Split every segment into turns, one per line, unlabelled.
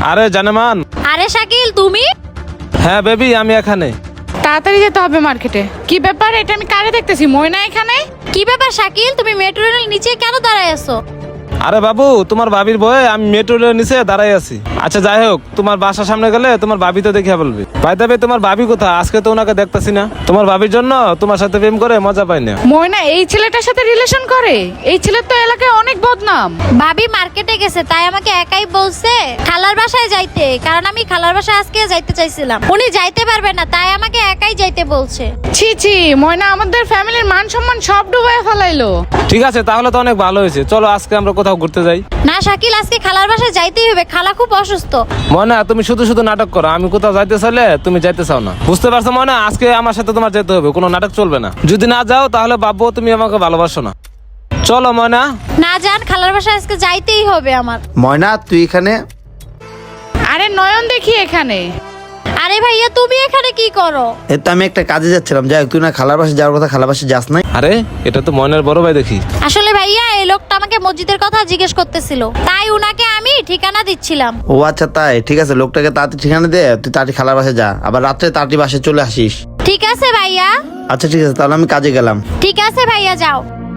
আরে জানেমান।
আরে শাকিল তুমি?
হ্যাঁ বেবি, আমি এখানে।
তাড়াতাড়ি যেতে হবে মার্কেটে। কি ব্যাপার, এটা আমি কারে দেখতেছি? ময়না এখানে?
কি ব্যাপার শাকিল, তুমি মেট্রো রেলের নিচে কেন দাঁড়ায় আছো?
আরে বাবু, তোমার ভাবির বয়ে আমি মেট্রো রেলের নিচে দাঁড়াই আছি। আচ্ছা যাই হোক, তোমার বাসার সামনে গেলে তোমার ভাবি তো দেখে বলবে। ভাই তবে তোমার ভাবি কোথায়? আজকে তো ওনাকে দেখতেছি না। তোমার ভাবির জন্য তোমার সাথে প্রেম করে মজা পাই না।
ময়না এই ছেলেটার সাথে রিলেশন করে? এই ছেলের তো এলাকায় অনেক বদনাম।
ভাবি মার্কেটে গেছে, তাই আমাকে একাই বলছে খালার বাসায় যাইতে, কারণ আমি খালার বাসায় আজকে যাইতে চাইছিলাম। উনি যাইতে পারবে না, তাই আমাকে একাই যাইতে বলছে।
ছি ছি, ময়না আমাদের ফ্যামিলির মান সম্মান সব ডুবাই ফেলাইলো।
ঠিক আছে, তাহলে তো অনেক ভালো হয়েছে। চলো আজকে আমরা কোথাও ঘুরতে যাই।
না শাকিল, আজকে খালার বাসায় যাইতেই হবে, খালা খুব অসুস্থ।
ময়না, তুমি শুধু শুধু নাটক করো। আমি কোথাও যাইতে চাইলে তুমি যাইতে চাও না, বুঝতে পারছো ময়না? আজকে আমার সাথে তোমার যেতে হবে, কোনো নাটক চলবে না। যদি না যাও তাহলে ভাববো তুমি আমাকে ভালোবাসো না। চলো ময়না।
না যান, খালার বাসায় আজকে যাইতেই হবে আমার।
ময়না তুই এখানে?
আরে নয়ন দেখি এখানে।
আরে ভাইয়া তুমি এখানে কি করো?
এ তো আমি একটা কাজে যাচ্ছিলাম। যাই হোক, তুই না খালার বাসে যাওয়ার কথা, খালার বাসে যাস নাই?
আরে এটা তো ময়নার বড় ভাই দেখি।
আসলে ভাইয়া এই লোকটা আমাকে মসজিদের কথা জিজ্ঞেস করতেছিল, তাই উনাকে আমি ঠিকানা দিচ্ছিলাম।
ও আচ্ছা তাই, ঠিক আছে। লোকটাকে তাড়াতাড়ি ঠিকানা দে, তুই তাড়াতাড়ি খালার বাসে যা, আবার রাত্রে তাড়াতাড়ি বাসে চলে আসিস।
ঠিক আছে ভাইয়া।
আচ্ছা ঠিক আছে, তাহলে আমি কাজে গেলাম।
ঠিক আছে ভাইয়া, যাও।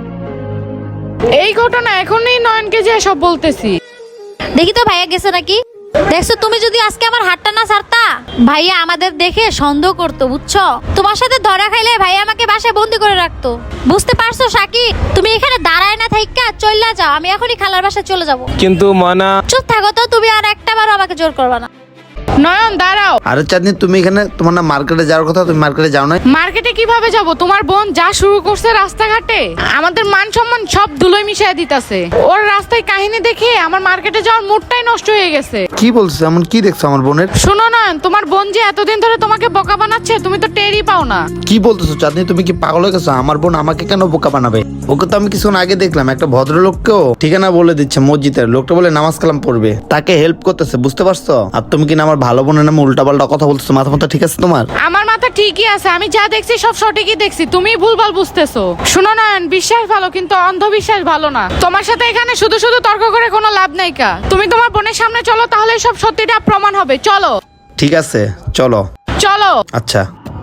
এই ঘটনা এখনই নয়নকে যে সব বলতেছি।
দেখি তো ভাইয়া গেছে নাকি। দেখছো, তুমি যদি আজকে আমার হাতটা না ছাড়তা, ভাইয়া আমাদের দেখে সন্দেহ করতো, বুঝছো? তোমার সাথে ধরা খাইলে ভাইয়া আমাকে বাসায় বন্দি করে রাখতো, বুঝতে পারছো শাকিব? তুমি এখানে দাঁড়ায় না থাইকা চইলা যাও, আমি এখনই খালার বাসায় চলে যাব।
কিন্তু ময়না।
চুপ থাকো তো, তুমি আর একটাবারও আমাকে জোর করবা না।
নয়ন দাঁড়াও।
আরে চাঁদনি, তুমি এখানে? তোমার না মার্কেটে যাওয়ার কথা, তুমি মার্কেটে যাও না?
মার্কেটে কিভাবে যাব? তোমার বোন যা শুরু করছে রাস্তাঘাটে, আমাদের মান সম্মান সব ধুলোয় মিশিয়ে দিতেছে। ওর রাস্তায় কাহিনী দেখে আমার মার্কেটে যাওয়ার মুডটাই নষ্ট হয়ে গেছে।
কি বলছো? এমন কি দেখছো আমার বোনের?
শোনো নয়ন, তোমার বোন যে এতদিন ধরে তোমাকে বোকা বানাচ্ছে, তুমি তো টেরই পাও না।
কি বলতেছো চাঁদনি? তুমি কি পাগল হয়ে গেছো? আমার বোন আমাকে কেন বোকা বানাবে? ওকে তো আমি কিছুক্ষণ আগে দেখলাম একটা ভদ্রলোককেও ঠিকানা বলে দিচ্ছে মসজিদের। লোকটা বলে নামাজ কালাম পড়বে, তাকে হেল্প করতেছে, বুঝতে পারছো? আর তুমি কিনা আমার ভালো বোনের নামে উল্টাপাল্টা কথা বলতেছো। মাথা মাথা ঠিক আছে তোমার?
আমার মাথা ঠিকই আছে, আমি যা দেখছি সব সঠিকই দেখছি, তুমি ভুলভাল বুঝতেছো। শোনো নয়ন, বিশ্বাস ভালো কিন্তু অন্ধবিশ্বাস ভালো না। তোমার সাথে এখানে শুধু শুধু তর্ক করে কোনো লাভ নাই কা। তুমি তোমার বোনের সামনে চলো, তাহলে সব সত্যিটা প্রমাণ হবে। চলো।
ঠিক আছে চলো।
চলো।
আচ্ছা।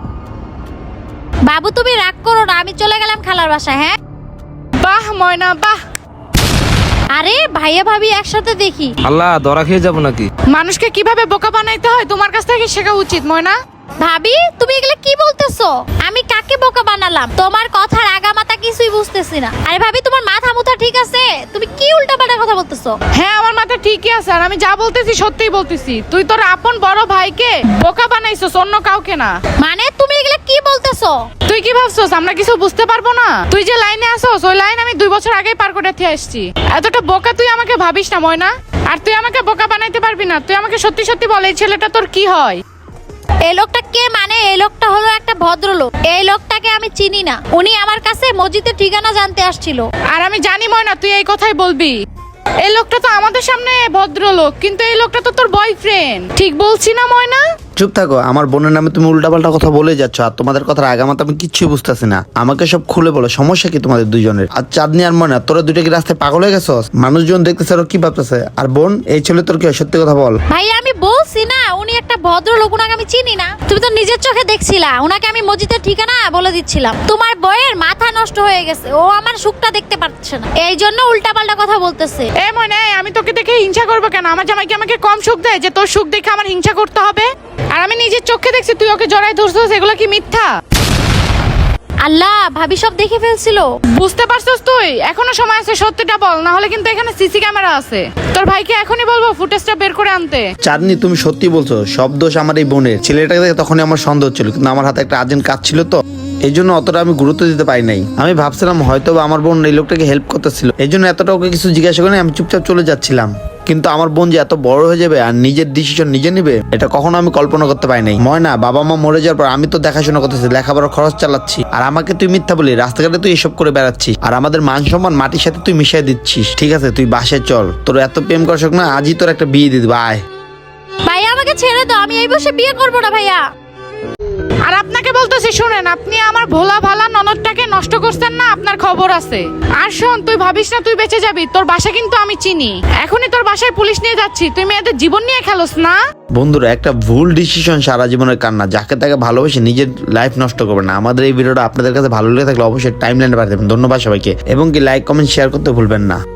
বাবু তুমি রাগ করো না, আমি চলে গেলাম খালার বাসায়। হ্যাঁ
বাহ ময়না বাহ।
আরে ভাইয়া ভাবি একসাথে দেখি।
আল্লাহ, ধরা খেয়ে যাবো নাকি?
মানুষকে কিভাবে বোকা বানাইতে হয় তোমার কাছ থেকে শেখা উচিত ময়না।
ভাবি তুমি এগুলো কি বলতেছো? আমি কাকে বোকা বানালাম? তোমার কথার আগামাথা কিছুই বুঝতেছি না। আরে ভাবি, তোমার মাথা মুথা ঠিক আছে? তুমি কি উল্টাপাল্টা কথা বলতেছো?
হ্যাঁ আমার মাথা ঠিকই আছে, আর আমি যা বলতেছি সত্যিই বলতেছি। তুই তোর আপন বড় ভাইকে বোকা বানাইছস, অন্য কাউকে না।
মানে তুমি এগুলো কি বলতেছো?
তুই কি ভাবছস আমরা কিছু বুঝতে পারবো না? তুই যে লাইনে আসছস, ওই লাইন আমি 2 বছর আগেই পার করে আসছি। এতটা বোকা তুই আমাকে ভাবিস না ময়না। আর তুই আমাকে বোকা বানাইতে পারবি না। তুই আমাকে সত্যি সত্যি বল, এই ছেলেটা তোর কি হয়?
এই লোকটা কে? মানে এই লোকটা হলো একটা ভদ্রলোক। এই লোকটাকে আমি চিনি না। উনি আমার কাছে মসজিদের ঠিকানা জানতে আসছিল।
আর আমি জানি ময়না তুই এই কথাই বলবি। এই লোকটা তো আমাদের সামনে ভদ্রলোক, কিন্তু এই লোকটা তো তোর বয়ফ্রেন্ড। ঠিক বলছি না ময়না?
চুপ থাকো, আমার বোনের নামে তুমি উল্টাপাল্টা কথা বলে যাচ্ছ, আর তোমাদের কথার আগামাতে আমি কিচ্ছুই বুঝতেছি না। আমাকে সব খুলে বলো, সমস্যা কি তোমাদের দুইজনের? আর চাঁদনি আর ময়না, তোরা দুটো কি রাস্তায় পাগল হয়ে গেছো? মানুষজন দেখতেছে, ওরা কি ভাবতেছে? আর বোন, এই ছেলে তোর কি হয়? সত্যি কথা বল।
ভাইয়া আমি বলছি না, উনি একটা ভদ্রলোক, উনাকে আমি চিনি না। তুমি তো নিজের চোখে দেখছিলা, উনাকে আমি মসজিদের ঠিকানা বলে দিচ্ছিলাম। তোমার বইয়ের মাথা নষ্ট হয়ে গেছে, ও আমার সুখটা দেখতে পাচ্ছে না, এই জন্য উল্টাপাল্টা কথা বলতেছে।
এ ময়না, আমি তোকে দেখে হিংসা করবো কেন? আমার জামাই কি আমাকে কম সুখ দেয় যে তোর সুখ দেখে আমার হিংসা করতে হবে? আর আমি নিজের চোখে দেখছি তুই ওকে জড়াই ধরছিস, এগুলো কি মিথ্যা?
আল্লাহ, ভাবি সব দেখে ফেলছিল।
বুঝতে পারছিস তুই? এখনো সময় আছে, সত্যিটা বল, না হলে কিন্তু এখানে সিসি ক্যামেরা আছে। তোর ভাইকে এখনই বলবো ফুটেজটা বের করে আনতে।
চাঁদনি তুমি সত্যি বলছো, সব দোষ আমার এই বোনের। ছেলেটাকে দেখে তখনই আমার সন্দেহ হচ্ছিল, কিন্তু আমার হাতে একটা আর্জেন্ট কাজ ছিল, তো এই জন্য অতটা আমি গুরুত্ব দিতে পারি নাই। আমি ভাবছিলাম হয়তো আমার বোন এই লোকটাকে হেল্প করতেছিল, এই জন্য এতটা ওকে কিছু জিজ্ঞাসা করে আমি চুপচাপ চলে যাচ্ছিলাম। কিন্তু আমার বোন যে এত বড় হয়ে যাবে আর নিজের ডিসিশন নিজে নিবে, এটা কখনো আমি কল্পনা করতে পারি নাই। ময়না, বাবা মা মরে যাওয়ার পর আমি তো দেখাশোনা করতেছি, লেখাপড়ার খরচ চালাচ্ছি, আর আমাকে তুই মিথ্যা বলি, রাস্তাঘাটে তুই এসব করে বেড়াচ্ছিস, আর আমাদের মান সম্মান মাটির সাথে তুই মিশিয়ে দিচ্ছিস। ঠিক আছে, তুই বাসায় চল, তোর এত প্রেম করার শখ না, আজই তোর একটা বিয়ে দিয়ে দিবো, আয়।
ভাইয়া আমাকে ছেড়ে দাও, আমি এই বসে বিয়ে করবো না ভাইয়া।
আর আপনাকে বলতেছি শুনেন, আপনি আমার ভোলা ভালা ননদটাকে নষ্ট করছেন না, আপনার খবর আছে। আর শোন, তুই ভাবিস না তুই বেঁচে যাবি, তোর বাসা কিন্তু আমি চিনি। এখনই তোর বাসায় পুলিশ নিয়ে যাচ্ছি, তুই মেয়েদের জীবন নিয়ে খেলোস না।
বন্ধুরা, একটা ভুল ডিসিশন সারা জীবনের কান্না। যাকে তাকে ভালোবেসে নিজের লাইফ নষ্ট করবে না। আমাদের এই ভিডিওটা আপনাদের কাছে ভালো লেগে থাকলে অবশ্যই টাইমলাইনে পাঠিয়ে দেবেন। ধন্যবাদ সবাইকে, এবং কি লাইক কমেন্ট শেয়ার করতে ভুলবেন না।